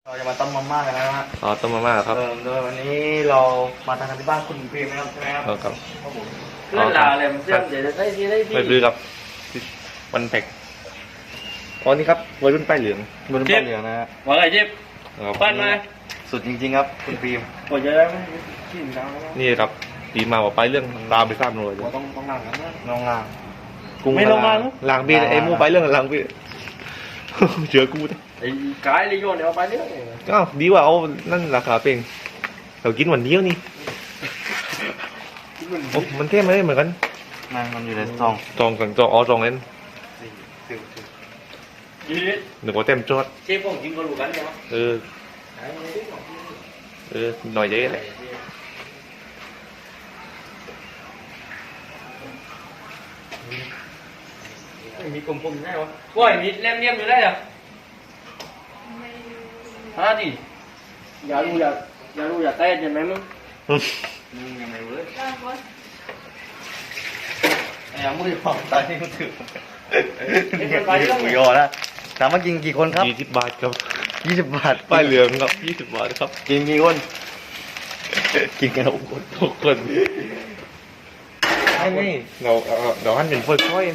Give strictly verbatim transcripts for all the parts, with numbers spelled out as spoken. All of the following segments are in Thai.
เราจะมาต้มมาม่ากันนะฮะอ๋อต้มมาม่าครับเออโดยวันนี้เรามาทานกันที่บ้านคุณพิมพ์นะครับใช่ไหมครับครับครับเพื่อนลาเลยมันเชื่อมเดี๋ยวจะได้ที่ได้ที่ไม่ซื้อครับวันแพ็กอ๋อนี่ครับวัยรุ่นป้ายเหลืองบนป้ายเหลืองนะฮะว่าไงจิ๊บครับปั้นมาสุดจริงๆครับคุณพิมพ์ปวดเยอะแล้วขี้มดังแล้วนี่ครับตีมาว่าไปเรื่องตามไปทราบหน่อยเราต้องต้องนั่งกันนะน้องงามไม่ลงมาหลังบีไอ้มูไปเรื่องหลังบีเจอกูนะไอ้กายเลยโยนเดี๋ยวเอาไปเรื่อยอ้าวดีกว่าเอานั่นราคาเป็นเรากินวันเดียวนี่โอ้มันเท่ไหมเหมือนกันนั่งมันอยู่ในซองจองกันจองอ๋อจองเล่นยืดหนึ่งว่าเต็มจอดเชฟผมกินก็รู้กันใช่ไหมเออเออหน่อยเยอะเลยมีกลมๆได้ปะว่ามีเลี่ยมๆอยู่ได้เหรอฮะดิอย่ารู้อย่าอย่ารู้อย่าเต้นใช่ไหมมึงมึงยังไงเว้ยไอ้ยังไม่ได้บอกตอนนี้กูถือกูยอนะถามว่ากินกี่คนครับยี่สิบบาทครับยี่สิบบาทป้ายเหลืองครับยี่สิบบาทครับกินกี่คนกินกันหกคนทุกคนไม่ไม่เราเอาเราหั่นเป็นค่อย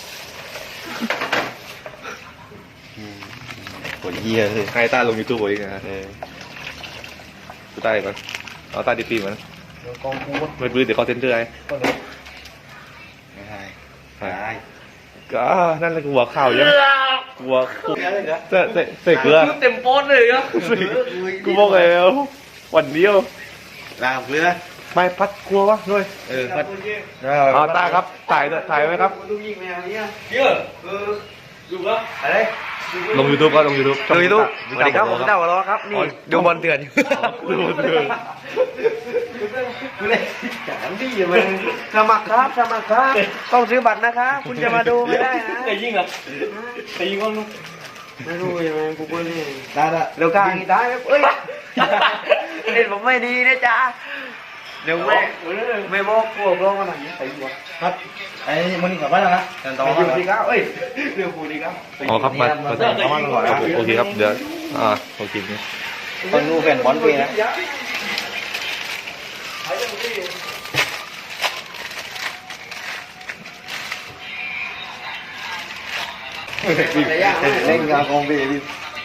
ปวดเยี่ยเลยๆให้ตาลงยูทูบไว้นะเออกูตาดีก่อนเอาตาดีปีมันกองพูดไม่ปื้อเดี๋ยวเขาเซ็นเตอร์ไอ้ไม่ได้ไม่ได้ก็นั่นแหละกูหัวข่าวยังกูหัวกูเสเสเสกเกลือเต็มโป๊ดเลยอ่ะกูบอกแล้ววันเดียวลาเกลือไม่พัดกลัววะด้วยเออพัดเอาตาครับถ่ายด้วยถ่ายไว้ครับลูกยิงแมวเนี่ยเยอะเออดูแล้วอะไรลงยูทูบก็ลงยูทูบดูยูทูบสวัสดีครับผมเจ้าวอลครับนี่ดูบอลเตือนดูบอลเถื่อนดูเลยจังดีมันสมัครครับสมัครครับต้องซื้อบัตรนะครับคุณจะมาดูไม่ได้นะไอ้ยิงอ่ะไอ้ยิงก็ลูกไม่รู้ยังไงกูก็นี่ได้ละเดี๋ยวกลางอีกได้เอ้ยเล่นผมไม่ดีนะจ๊ะเดี๋ยวไม่ไม่บอกพวกร้องกันหน่อยใส่หัวครับไอ้มันนี่กลับบ้านแล้วนะต่อมาดีครับเอ้ยเรื่องกูดีครับอ๋อครับมามาต่อมาก่อนนะโอเคครับเดี๋ยวอ่าโอเคนี่ต้องดูแฟนบอลปีนะเล่นงานของเบบี้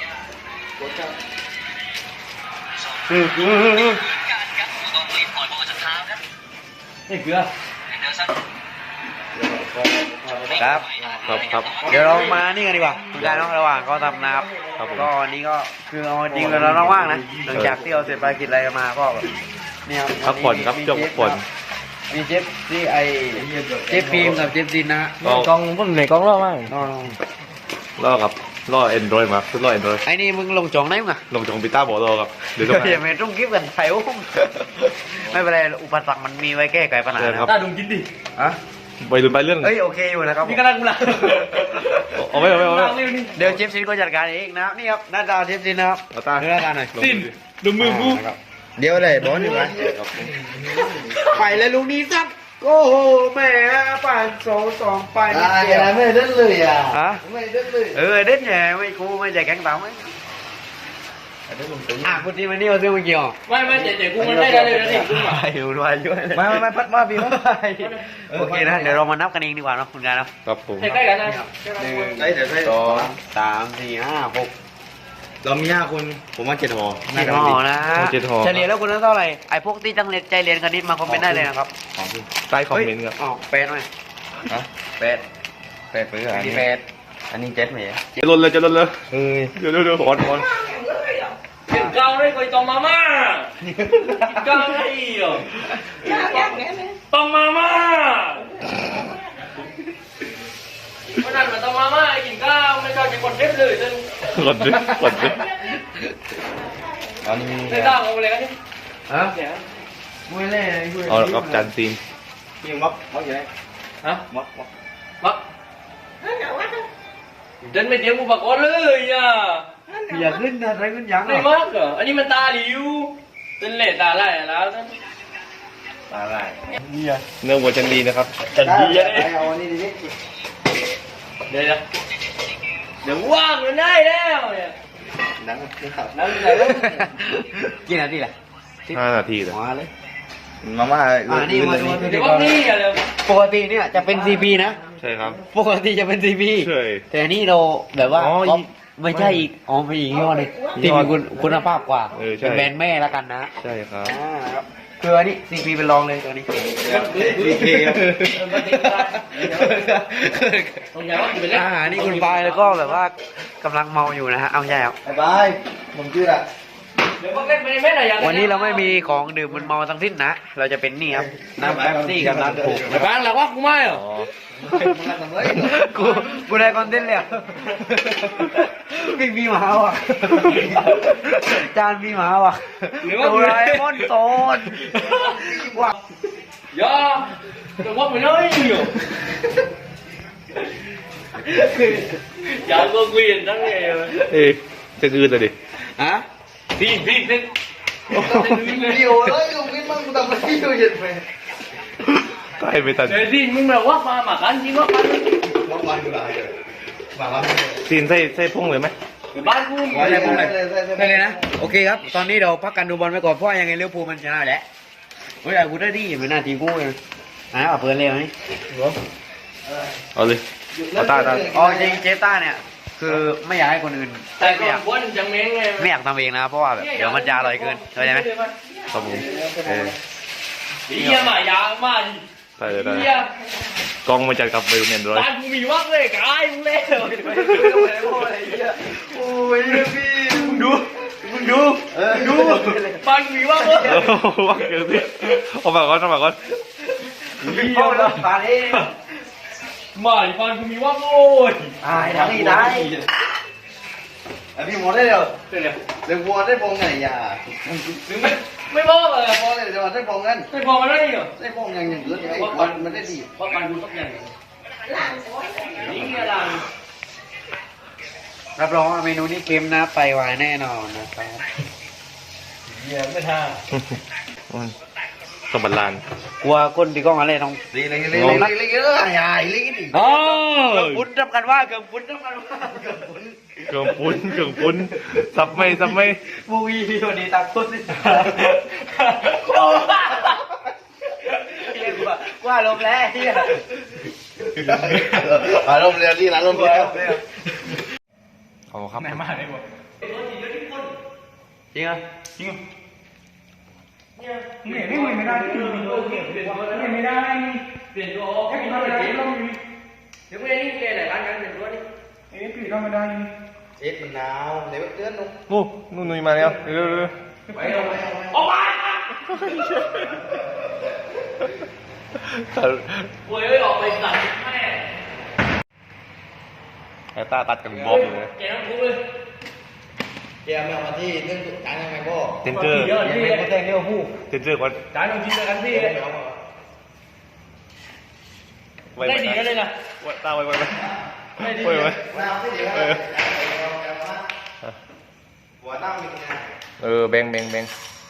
นี่เกลือครับครับครับเดี๋ยวเรามานี่กันดีกว่าคุณกายน้องระหว่างก็ทำนะครับครับผมก็วันนี้ก็คือเอาจริงๆเราต้องว่างนะหลังจากที่เราเสร็จภารกิจอะไรกันมาก็แบบเนี่ยพักผ่อนครับช่วงพักผ่อนมีเจฟที่ไอเจฟฟิล์มกับเจฟดินนะฮะก็กองพุ่นไหนกองล่อมากน้องล่อครับล่อแอนดรอยมาคือล่อแอนดรอยไอ้นี่มึงลงจองได้มั้งลงจากคอมพิวเตอร์บอกรอครับเดี๋ยวต้องเดี๋ยวไม่ต้องกิฟต์กันไทยอุ้มไม่เป็นไรอุปสรรคมันมีไว้แก้ไขปัญหานะครับตาดุงกินดิฮะไปลืมไปเรื่องเอ้ยโอเคอยู่นะครับนี่ก็นั่งกูละเอาไม่เอาไม่เอาไม่นั่งเร็วนี่เดี๋ยวเจฟซินก็จัดการเองนะครับนี่ครับหน้าตาเจฟซินนะครับเอาตาดูหน้าตาหน่อยสิ้นดูมือกูเดี๋ยวเลยบอลอยู่ไหมไปเลยลูกนี้สักโอ้โหแม่ปั่นสองสองไปนิดเดียวไม่เด่นเลยอ่ะฮะไม่เด่นเลยเออเด่นแย่ไม่กูไม่ใจแข็งต่ำไหมอ่ะคุณทีมันนี่มาซื้อมาเกี่ยวไม่ไม่เจ๊เจ๊กูมันได้เลยนะนี่กูมาอยู่ด้วยด้วยไม่ไม่ไม่พัดมาพี่มาโอเคนะเดี๋ยวเรามานับกันเองดีกว่าเนาะคุณการเนาะครับผมใกล้ๆกันนะหนึ่งสองสามสี่ห้าหกเรามีห้าคนผมว่าเจ็ดห่อเจ็ดห่อนะเฉลี่ยแล้วคุณนั้นเท่าไหร่ไอ้พวกที่ตั้งใจเรียนคณิตมาคอมเมนต์ได้เลยนะครับใต้คอมเมนต์ครับอ๋อแปดไหมฮะแปดแปดเปอร์อันนี้แปดอันนี้เจ็ดไหมจะลนเลยจะลนเลยเอ้ยเดี๋ยวเดี๋ยวเดี๋ยวขอนขอนกินเกาเลยคอยตองมาม่ากินเกาไอ้เหรอตองมาม่าวันนั้นมาตองมาม่ากินข้าวไม่ชอบกินคนเทปเลยจนกดดิกดดิอันนี้ไม่กล้าเอาอะไรกันนี่ฮะเนี่ยมวยเล่มวยเอาละครับจานซีนยิงม็อกม็อกอยู่ไหนฮะม็อกม็อกมักเดินไม่เตรียมอุปกรณ์เลยอ่ะอย่าขึ้นนะใครขึ้นยังไม่มากเหรออันนี้มันตาหลิวเป็นเล่ตาไหลแล้วท่านอะไรเนื้อวัวจันดีนะครับจันดีอะไอเนี่ยเอาอันนี้ดิเดี๋ยวนะเดี๋ยวว่างมันได้แล้วเนี่ยไนั่งนั่งไหนแล้วกี่นาทีแหละห้านาทีเลยมาเลยมาม่าอ่านี่มาดูเดี๋ยวนี่อย่าเลยปกติเนี่ยจะเป็นซีพีนะใช่ครับปกติจะเป็นซีพีใช่แต่นี่เราแบบว่าอ๋อก็อีกไม่ใช่อีกอ๋อไม่อีกยี่ห้อหนึงยี่ที่ห้อมีคุณคุณภาพกว่าเออใช่เป็นแบรนด์แม่แล้วกันนะใช่ครับอ่าครับคืออันนี้ซีพีเป็นรองเลยตัวนี้ซีพีครับตรงไหนว่าจะไปเล่นอ่านี่คุณปายแล้วก็แบบว่ากำลังเมาอยู่นะฮะเอาใช่ครับบายผมชื่ออะเดี๋ยวพวกเล่นไปในแม่ไหนอย่างวันนี้เราไม่มีของดื่มมันเมาทั้งสิ้นนะ เราจะเป็นนี่ครับน้ำแป๊บซี่กับน้ำถูกไปบ้านหลักว่ากูไม่เหรออ๋อกูกูได้คอนเทนต์แล้วพี่มีหมาว่ะจานมีหมาว่ะโดราเอมอนโซนว่ะย่าแต่ว่าไม่ได้อยู่อย่าก็เกวียนทั้งเลยเอ๊ะจะคืนเลยดิฮะพี่พี่พี่เดียวเลยกูคิดมั่งกูทำอะไรอยู่เย็นไปใกล้ไปตัดเดี๋ยวที่มึงแบบว่ามาหมากันจริงว่ากันบ้านบ้านกูได้เลยบ้านบ้านซีนใส่ใส่พุ่งเลยไหมบ้านกูอะไรพวกไหนได้เลยนะโอเคครับ ตอนนี้เราพักกันดูบอลไปก่อนเพราะยังไงเลี้ยวภูลมันชนะอยู่แล้วเฮ้ยกูได้ดีเหมือนหน้าทีกูเลยอ่ะเอาเปิดเร็วนี่เอาเลยเอาตาตาอ๋อจริงเจต้าเนี่ย คือไม่อยากให้คนอื่นแต่ไม่ก่ออน ยากคนจังเม้งไงไม่อยากทำเองนะเพราะว่าแบบเดี๋ยวมันจะอร่อยเกินเข้าใจไหมครับผมเออเฮียมายามาได้เลยได้เฮียกล้องมาจัดกับเบลเนียนร้อยบ้านกูมีวักเลยกายมึงเล่นโอ้ยพี่มึงดูมึงดูดูบ้านกูมีวักเลยเออว่าเกินพี่เอามาก่อนเอามาก่อนพ่อแล้วปาเองมาบ้านกูมีวักโอ้ยตายทั้งนี้ได้ไอพี่หมดได้เดียวเดี๋ยวเดี๋ยววัวได้พงไงอย่ามึงไม่ไม่บอกเลยพอเลยเดี๋ยวได้พงกันไม่พอมันได้เหรอได้พงอย่างอย่างอื่นไอ้วันมันได้ดีเพราะการดูสักอย่างนี่ไงล่ะรับรองว่าเมนูนี้เค็มนะไปไวแน่นอนนะครับเฮียไม่ท่าสมบัติลานกลัวก้นตีกล้องอะไรต้องดีเลยเลยเลยเลยเลยเลยใหญ่เลยดิอ๋อเกือบปุ้นทำกันว่าเกือบปุ้นทำกันว่าเกือบปุ้นเครื่องปุ้นเครื่องปุ้นซับไม่ซับไม่มูวีตัวนี้ตักปุ้นนี่เรียกว่าว่าลมแล้วที่อารมณ์เรียนที่ร้านลมเรียนเอาครับไหนมาไหนบอกจริงอ่ะจริงเนี่ยไม่ไม่ไม่ได้เปลี่ยนตัวเปลี่ยนตัวไม่ได้เปลี่ยนตัวแค่ทำอะไรก็มีเดี๋ยวไม่ได้นี่เปลี่ยนอะไรกันเปลี่ยนตัวนี่เอ๊ะเปลี่ยนก็ไม่ได้เอ็ดมันหนาวเดี๋ยวเตือนนุ่มนู่นนู่นนี่มาแล้วเร็วเร็วไปเอาไปออกมาโอ้ยออกไปตัดแม่ไอ้ตาตัดกับบ๊อบเลยแกต้องทุบเลยเกียร์ไม่เอามาที่เรื่องการยังไงพ่อเซนเจอร์เยอะที่ไม่ได้เรียกผู้เซนเจอร์ก่อนจานต้องกินกันที่ได้ดีกันเลยนะตาไว้ไว้ไว้ได้ดีไว้ไว้มาเอาที่เดียวเออหัวนั่งมีไงเออแบงแบงแบง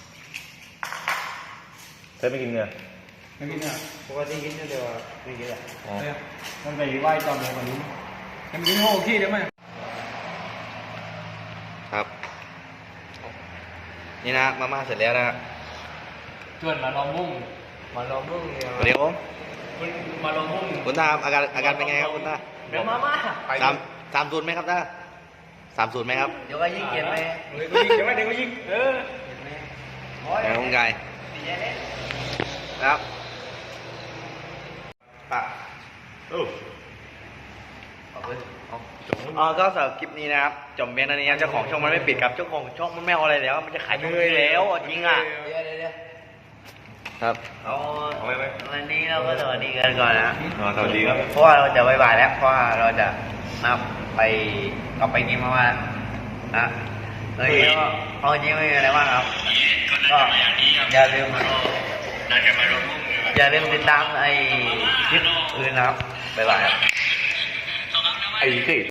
เธอไม่กินเนื้อไม่กินอ่ะปกติกินเดียวไม่กินอ่ะอ๋อมันไปไหว้ตอนไหนก่อนนี้มันกินโง่ขี้ได้ไหมครับนี่นะมาม่าเสร็จแล้วนะชวนมาลองมุ่งมาลองมุ่งเนี่ยเดี๋ยวผมมาลองมุ่งคุณตาอาการอาการเป็นไงครับคุณตาเดี๋ยวมาม่าสามสามศูนย์ไหมครับตาสามศูนย์ไหมครับเดี๋ยวก็ยิ่งเกลียดไปเดี๋ยวก็ยิงเดี๋ยวก็เดี๋ยวก็ยิงเออแหมคุณกายครับอ่ะโอ้อ๋อก็สำหรับคลิปนี้นะครับจบเพียงเท่านี้ครับเจ้าของช่องมันไม่ปิดครับเจ้าของช่องมันไม่เอาอะไรแล้ว มันจะขายช่องนี้แล้วอ่ะจริงอ่ะครับเอาวันนี้เราก็สวัสดีกันก่อนนะอ๋อสวัสดีครับเพราะว่าเราจะบายบายแล้วเพราะว่าเราจะนับไปเอาไปกินมามานะเลยก็เอาจริงไม่มีอะไรมากครับก็อย่าลืมอย่าลืมติดตามไอ้คลิปอื่นนะครับบ๊ายบายครับไอ้เจ๊